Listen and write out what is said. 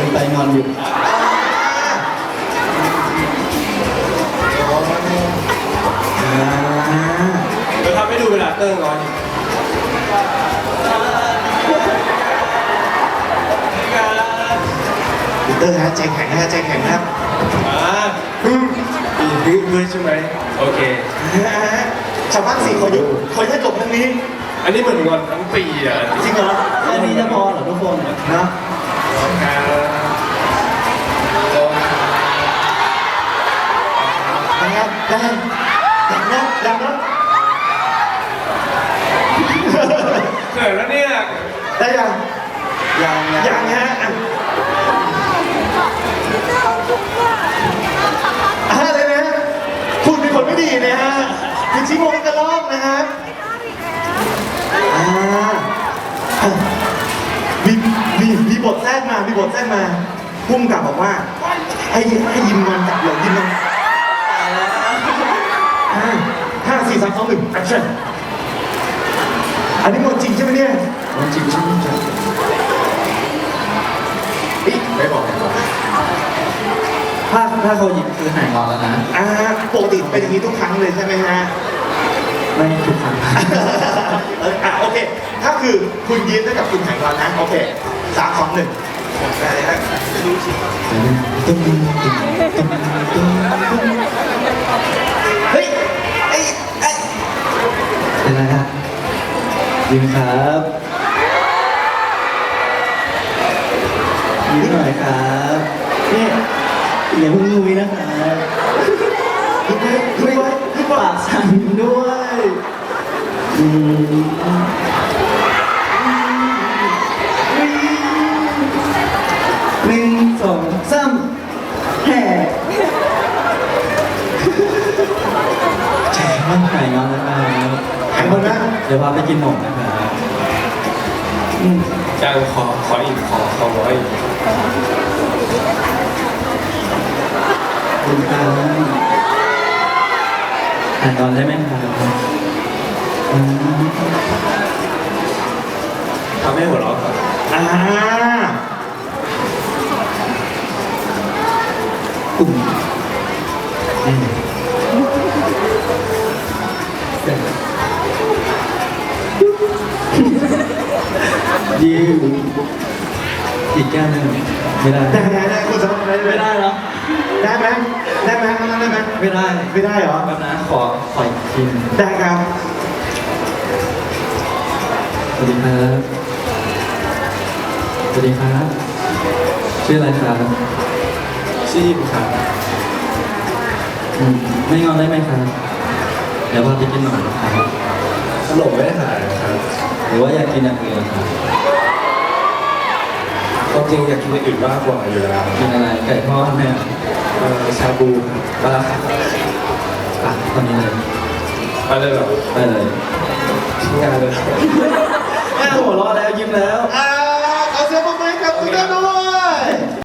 ไปงอนอยู่เดี๋ยวทำให้ดูเวลาเตอร์ร้อนเตอร์ฮะใจแข็งนะใจแข็งครับปีนี้ด้วยใช่ไหมโอเคชาวบ้านสี่คนอยู่คนให้จบเรื่องนี้อันนี้เหมือนงอนทั้งปีอ่ะจริงเหรอแค่นี้จะพอเหรอทุกคนนะการยังนะยังนะเกิดแล้วเนี่ยได้ยังยังยังฮะอะไรนะพูดเป็นคนไม่ดีนะฮะคุณชิโมงกระลอกนะฮะมีบทแทรกมาพุ่มกับบอกว่าให้ยิมมันจับเลยยิมมัน5 4 3 2 1 action อันนี้หมดจริงใช่ไหมเนี่ยจริงใช่ไหมจ๊ะไม่บอกถ้าเขาหยิบคือหายงอนแล้วนะปกติเป็นอย่างนี้ทุกครั้งเลยใช่ไหมฮะไม่ทุกครั้งโอเค ถ้าคือคุณยิ้มได้กับคุณหายงอนนะ โอเค3 2 1ได้ฮะรู้ชิเฮ้ยไอ้เป็นไรฮะยิ้มครับยิ้มหน่อยครับนี่อย่าเพิ่งงุยนะครับปากสั่นด้วย1 2 3แห่แฉมันหายงอนแล้วครับหายงอนนะเดี๋ยวพาไปกินหนมนะครับจ้างขออีกขอร้อยคุณครับหายงอนได้ไหมครับทำให้หัวเราะครับกลุ่มยิวอีกแก้วหนึ่งไม่ได้ได้คุณสมบัติไม่ได้เหรอได้ไหมได้ไหมได้ไหมไม่ได้ไม่ได้เหรอแบบนะขออีกทีหนึ่งได้ครับสวัสดีครับสวัสดีครับชื่ออะไรครับชื่อยิมครับไม่งอนได้ไหมครับเดี๋ยวพาไปกินหน่อยครับขนมไม่หายครับหรือว่าอยากกินอย่างอื่นครับความจริงอยากกินอย่างอื่นมากกว่าอยู่แล้วกินอะไรไก่ทอดไหมครับชาบูครับไปแล้วครับตอนนี้เลยไปเลยเหรอไปเลยทิ้งงานเลยหัวเราะแล้วยิ้มแล้วขอเสียงปรบมือให้กับคุณด้วย